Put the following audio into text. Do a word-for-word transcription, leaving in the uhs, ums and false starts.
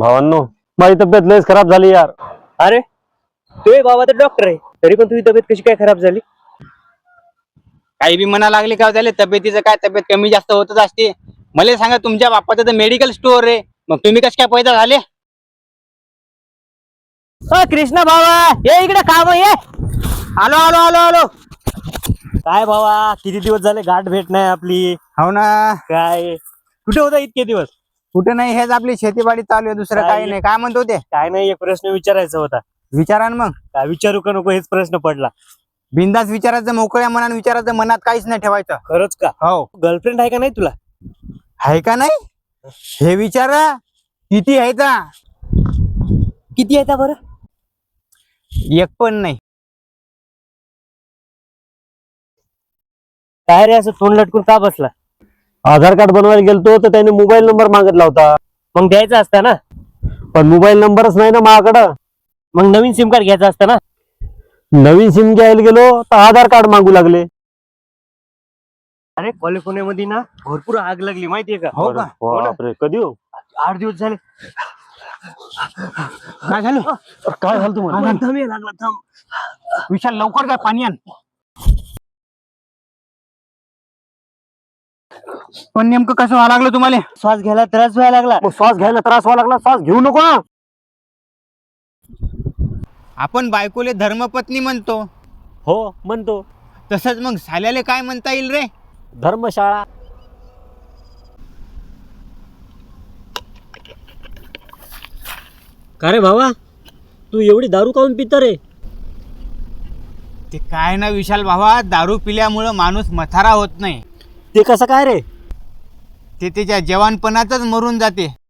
भावांनो, माझी तब्येत लयच खराब झाली यार. अरे तू बाबा तर डॉक्टर आहे, तरी पण तुझी तब्येत कशी काय खराब झाली? काही बी म्हणा लागले का झाले, तब्येतीचं काय, तब्येत कमी जास्त होतच असते. मला सांगा, तुमच्या बापाचं तर मेडिकल स्टोअर आहे, मग तुम्ही कसे काय पैदा झाले? अ कृष्णा भावा, ये इकडे काम ये. आलो आलो आलो आलो. काय भावा, किती दिवस झाले गाठ भेट नाही आपली. हो ना. काय कुठे होता इतके दिवस? कुठे नाही, हेच आपली शेतीबाडी चालू आहे, दुसरं काय? काही नाही. काय म्हणतो ते? काय नाही, एक प्रश्न विचारायचा होता. विचारा ना मग. काय विचारू का नको हेच प्रश्न पडला. बिंदास विचारायचं, मोकळ्या मनाने विचारायचं, मनात काहीच नाही ठेवायचं. खरंच का? हो. गर्लफ्रेंड आहे का नाही तुला? आहे का नाही हे विचारा. किती आहे का? किती आहे बरं? एक पण नाही. काय रे, असं तोंड लटकून का बसला? आधार कार्ड बनवायला गेलतो तर त्याने मोबाईल नंबर मागितला होता, मग द्यायचा असता ना. पण मोबाईल नंबरच नाही ना माझ्याकडं. मग नवीन सिम कार्ड घ्यायचा असता ना. नवीन सिम घ्यायला गेलो तर आधार कार्ड मागू लागले. अरे कॅलिफोर्नियामध्ये ना भरपूर आग लागली, माहितीये का? हो का? बापरे, कधी हो? आठ दिवस झाले. काय झालं? काय झालं तुम्हाला? थांब ये, लागला थांब. विशाल, लवकर काय, पाणी आण. पण नेमकं कसं व्हायला लागलं तुम्हाला? श्वास घ्यायला त्रास व्हायला लागला. मग श्वास घ्यायला त्रास व्हायला लागला, श्वास घेऊ नको ना. आपण बायकोले धर्मपत्नी म्हणतो, हो म्हणतो. तसंच मग साल्याले काय म्हणता येईल रे? धर्मशाळा. का रे भावा, तू एवढी दारू काऊन पित रे? ते काय ना विशाल भावा, दारू पिल्यामुळं माणूस मथारा होत नाही, ते कसं काय रे? ते त्याच्या जवानपणातच मरून जाते.